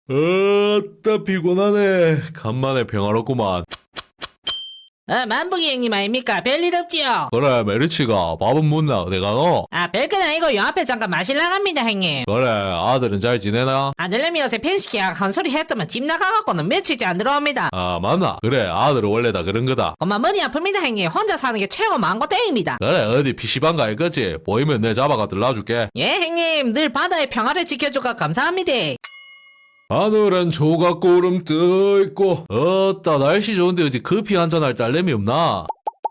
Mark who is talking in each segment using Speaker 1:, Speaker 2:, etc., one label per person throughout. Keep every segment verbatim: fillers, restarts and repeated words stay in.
Speaker 1: 어따 피곤하네. 간만에 평화롭구만.
Speaker 2: 어, 만복이 형님 아닙니까? 별일 없지요?
Speaker 1: 그래, 메리치가 밥은 묻나? 어디가 너?
Speaker 2: 아, 별건 아니고 요 앞에 잠깐 마실라 갑니다, 형님.
Speaker 1: 그래, 아들은 잘 지내나?
Speaker 2: 아들내미 요새 펜시키약 한 소리 했더만 집 나가갖고는 며칠째 안 들어옵니다.
Speaker 1: 아, 맞나? 그래, 아들은 원래 다 그런 거다.
Speaker 2: 엄마 머리 아픕니다, 형님. 혼자 사는 게 최고 망고 땡입니다.
Speaker 1: 그래, 어디 피시방 가 있겠지? 보이면 내 잡아가 들라줄게.
Speaker 2: 예, 형님. 늘 바다의 평화를 지켜주가 감사합니다.
Speaker 1: 하늘엔 조각구름 떠있고 어따 날씨 좋은데 어디 커피 한잔 할 딸내미 없나?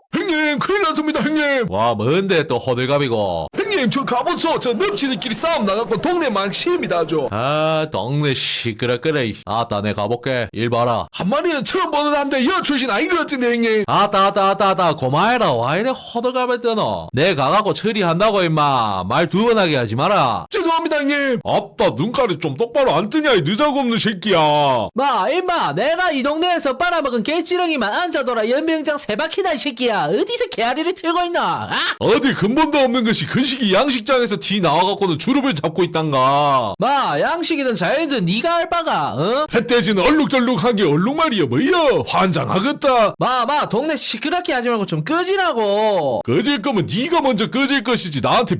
Speaker 1: 형님 큰일 났습니다 형님. 와 뭔데 또 호들갑이고. 형님 저 가보소. 저 넙치들끼리 싸움 나갖고 동네 망치입니다 아주. 아 동네 시끄럽거래. 아따 내 가볼게. 일 봐라. 한 마리는 처음 보는 한데 여 출신 아닌 것 같은데 형님. 아따 아따 아따 아따 고마해라. 와 이래 호들갑을 떠노. 내 가갖고 처리한다고 임마. 말 두 번 하게 하지 마라. 죄송합니다 형님. 아따 눈깔이 좀 똑바로 안 뜨냐 이 느자고 없는 새끼야.
Speaker 2: 마, 임마. 내가 이 동네에서 빨아먹은 개찌렁이만 앉아둬라 연명장 세 바퀴다 이 새끼야. 어디서 개아리를 틀고 있나? 아?
Speaker 1: 어디 근본도 없는 것이 근식이 양식장에서 티 나와갖고는 주름을 잡고 있단가.
Speaker 2: 마, 양식이든 자연이든 네가 알 바가, 어?
Speaker 1: 햇돼지는 얼룩덜룩한 게 얼룩말이야 뭐야. 환장하겠다.
Speaker 2: 마, 마, 동네 시끄럽게 하지 말고 좀 끄지라고.
Speaker 1: 꺼질 거면 네가 먼저 꺼질 것이지 나한테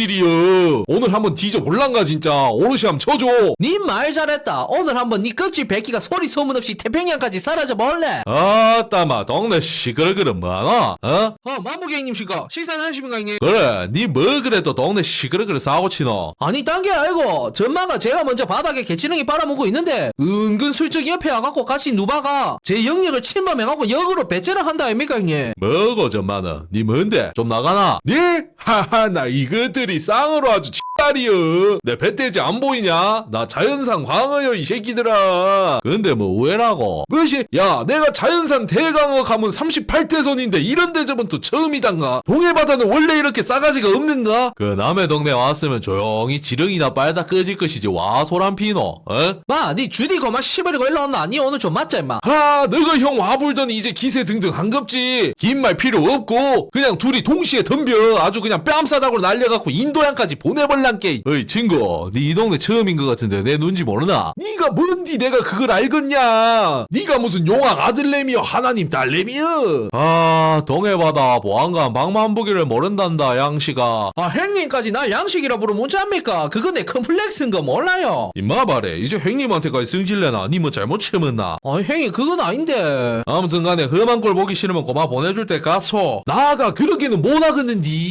Speaker 1: 명령질이여. 오늘 한번 뒤져볼란가 진짜. 오롯이 한번 쳐줘.
Speaker 2: 니 말 잘했다. 오늘 한번 니 껍질 뱉기가 소리 소문 없이 태평양까지 사라져 볼래?
Speaker 1: 아따마 동네 시끄러그는 뭐하나? 어?
Speaker 2: 어, 만무객님씨가 식사하십니까 형님?
Speaker 1: 그래 니 뭐 그래 또 동네 시끄러그를 싸고 치노.
Speaker 2: 아니 딴 게 아니고 전마가 제가 먼저 바닥에 개치렁이 빨아먹고 있는데 은근 슬쩍 옆에 와갖고 같이 누바가 제 영역을 침범해갖고 역으로 배째를 한다 아닙니까 형님?
Speaker 1: 뭐고 전마는 니 뭔데 좀 나가나? 니? 하하 나 이것들이 쌍으로 아주 딸이여. 내 배돼지 안 보이냐? 나 자연산 광어여 이 새끼들아. 근데 뭐 우회라고? 뭐시? 야 내가 자연산 대강어 가문 삼십팔 대선인데 이런 대접은 또 처음이단가? 동해바다는 원래 이렇게 싸가지가 없는가? 그 남의 동네 왔으면 조용히 지렁이나 빨다 꺼질 것이지 와 소란 피노. 어?
Speaker 2: 마, 니 주디 거만 시버리고 일로 왔나? 니 오늘 좀 맞자 임마.
Speaker 1: 하 너가 형 와불더니 이제 기세 등등 한겁지. 긴 말 필요 없고 그냥 둘이 동시에 덤벼. 아주 그냥 뺨싸닥으로 날려갖고 인도양까지 보내버란게. 어이 친구 니 이 동네 처음인 것 같은데 내 눈치 모르나? 니가 뭔디 내가 그걸 알겠냐? 니가 무슨 용왕 아들내미여 하나님 딸내미여. 아 동해바다 보안관 방만보기를 모른단다 양씨가.
Speaker 2: 아 형님까지 날 양식이라 부르면 어찌합니까? 그건 내 컴플렉스인 거 몰라요.
Speaker 1: 임마 말해 이제 형님한테까지 승질내나? 니 뭐 잘못 치면나?
Speaker 2: 아 형님 그건 아닌데.
Speaker 1: 아무튼 간에 험한 꼴 보기 싫으면 고마 보내줄 때 가소. 나가 그러기는 못하겠는디.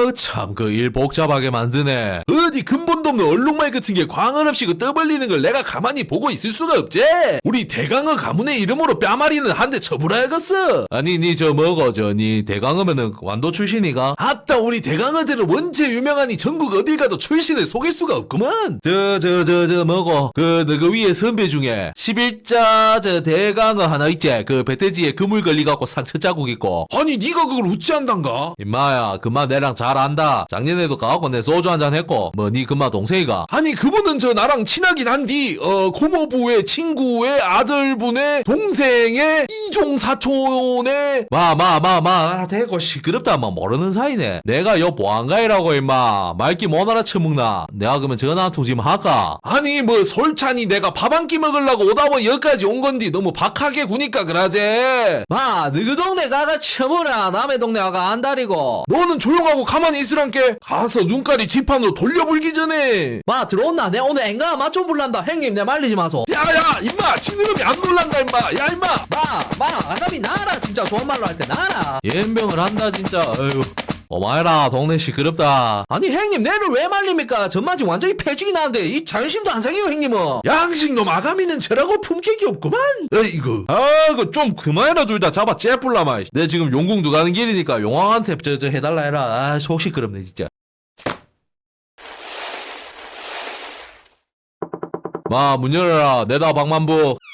Speaker 1: 어참 그 일 복잡하게 만드네. 어디 근본도 없는 얼룩말 같은 게 광을 없이 그 떠벌리는 걸 내가 가만히 보고 있을 수가 없지. 우리 대강어 가문의 이름으로 뺨아리는 한 대 쳐불어야겠어. 아니 니 저 뭐고 저 니 대강어면은 완도 출신이가? 아따 우리 대강어들은 원체 유명하니 전국 어딜 가도 출신을 속일 수가 없구먼. 저 저 저 저 뭐고 그 너그 위에 선배 중에 십일자 저 대강어 하나 있지. 그 배돼지에 그물 걸리갖고 상처 자국 있고. 아니 니가 그걸 우찌한단가? 임마야 그마 내랑 잘 안다. 작년에도 가갖고 내 소주 한잔 했고 뭐 니 그마 동생이가. 아니 그분은 저 나랑 친하긴 한디 어 고모부의 친구의 아들분의 동생의 이종사촌의 마마마마 대고 시끄럽다 막 모르는 사이네. 내가 여 보안가이라고 임마 말기 못 알아쳐먹나. 내가 그러면 전화 한 통 지금 할까? 아니 뭐 솔찬이 내가 밥 한 끼 먹으려고 오다보 여기까지 온 건디 너무 박하게 구니까 그러제.
Speaker 2: 마, 너그 동네 가가 쳐보라. 남의 동네 가가 안다리고.
Speaker 1: 너는 조용하고 가만히 있으란께. 가서 눈깔이 뒷판으로 돌려불기 전에.
Speaker 2: 마, 들어온나? 내 오늘 앵가 맛 좀 불란다. 형님, 내 말리지 마소.
Speaker 1: 야야 임마 지느러미 안 놀란다 임마. 야 임마.
Speaker 2: 마, 마, 아가미 나라. 진짜 좋은 말로 할 때 나라.
Speaker 1: 연병을 한다 진짜. 어휴. 어마해라 동네 시끄럽다.
Speaker 2: 아니 형님 내를 왜 말립니까? 전만지 완전히 패죽이 나는데 이 자존심도 안 상해요 형님은.
Speaker 1: 양식놈 아가미는 저라고 품격이 없구만. 에이구. 아, 그 좀 그만해라 둘 다 잡아 째뿔라마. 내 지금 용궁도 가는 길이니까 용왕한테 저 저 해달라 해라. 아, 속 시끄럽네 진짜. 마 문 열어라. 내다 방만부.